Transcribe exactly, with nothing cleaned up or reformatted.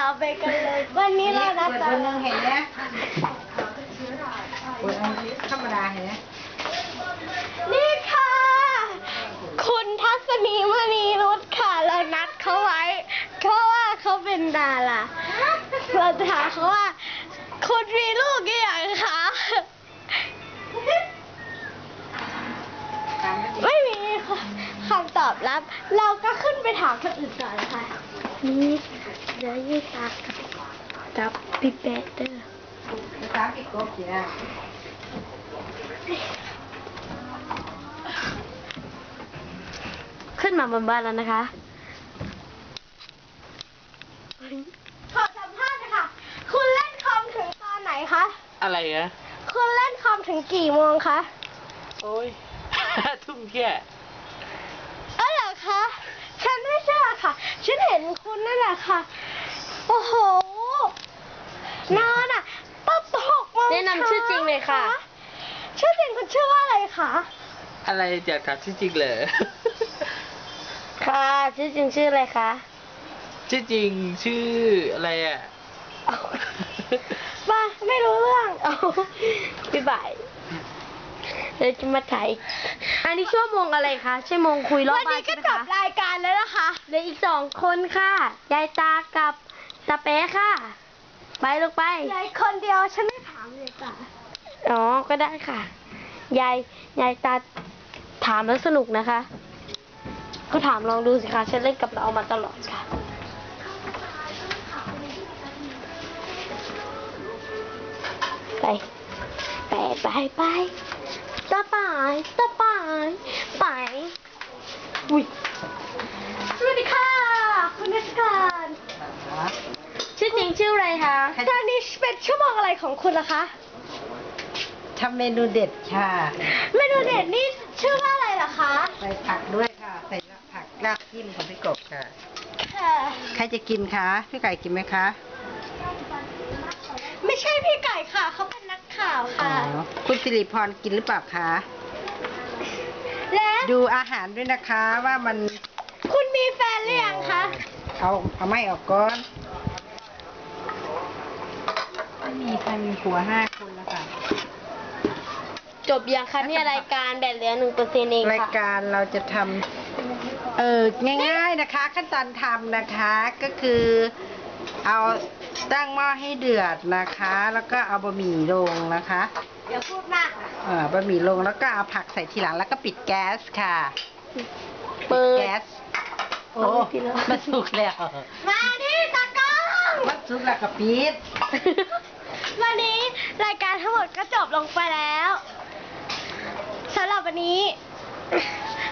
ไปกันเลยวันนี้เรานัดเปิดกัเบนอร์หนึ่งเห็นไหมเปิดอันนี้ธรรมดาเห็นไหมนี่ค่ะ คุณทัศนีมณีนุชค่ะเรานัดเขาไว้เพราะว่าเขาเป็นดาราเราจะถามเขาว่าคุณมีลูกกี่อย่างคะไม่มีคำตอบรับ เราก็ขึ้นไปถามคนอื่นก่อนค่ะนี่เดี๋ยวยืดตากับกับพี่เบสเดอร์ภาษาอังกฤษก็เขียนขึ้นมาบนบ้านแล้วนะคะขอสัมภาษณ์ค่ะคุณเล่นคอมถึงตอนไหนคะอะไรนะคุณเล่นคอมถึงกี่โมงคะโอ้ย ทุ่มแค่เออเหรอคะ ฉันไม่เชื่อค่ะ ฉันเห็นคุณนั่นแหละค่ะ โอ้โห นอนอ่ะตั้งหกโมงแนะนำชื่อจริงเลยค่ะชื่อจริงคุณชื่อว่าอะไรคะอะไรอยากถามจริงๆเลยค่ะชื่อจริงชื่ออะไรคะชื่อจริงชื่ออะไรอ่ะมาไม่รู้เรื่องเอาพี่บ่ายเราจะมาถ่ายอันนี้ชั่วโมงอะไรคะชั่วโมงคุยรอบวันบ้านี้นก็ใช่ไหมจคะบรายการแล้วนะคะเหลืออีกสองคนค่ะยายตากับตาเป๊ะค่ะ ไปลูกไปยายคนเดียวฉันไม่ถามเลยจ้ะอ๋อก็ได้ค่ะ ยายยายตาถามแล้วสนุกนะคะ ก็ถามลองดูสิคะฉันเล่นกับเรามาตลอดค่ะ ไป ไปไปไปต่อไปต่อไปไปอุ้ยสวัสดีค่ะ คุณนักการชื่อจริงชื่ออะไรคะตอนนี้เป็นชั่วโมงอะไรของคุณล่ะคะทำเมนูเด็ดค่ะเมนูเด็ดนี่ชื่อว่าอะไรล่ะคะใส่ผักด้วยค่ะ ใส่ผักรากจิ้มของพี่กบค่ะค่ะใครจะกินคะ พี่ไก่กินไหมคะไม่ใช่พี่ไก่ค่ะ เขาเป็นนักข่าวอ๋อค่ะคุณสิริพรกินหรือเปล่าคะและดูอาหารด้วยนะคะว่ามันคุณมีแฟนหรือยังคะเอาเอาไม่ออกก่อนไม่มีใครมีผัวห้าคนแล้วค่ะจบยังคะเนี่ยรายการแบตเหลือหนึ่งเปอร์เซ็นต์เองรายค่ะการเราจะทำเออง่ายๆนะคะ ขั้นตอนทำนะคะก็คือเอาตั้งหม้อให้เดือดนะคะ แล้วก็เอาบะหมี่ลงนะคะอย่าพูดมากค่ะเออบะหมี่ลงแล้วก็เอาผักใส่ทีหลังแล้วก็ปิดแก๊สค่ะเปิดแก๊สโอ้เอาไปทีละมันสุกแล้วมาที่ตากล้องมันสุกแล้วก็ปิดวันนี้รายการทั้งหมดก็จบลงไปแล้วสำหรับวันนี้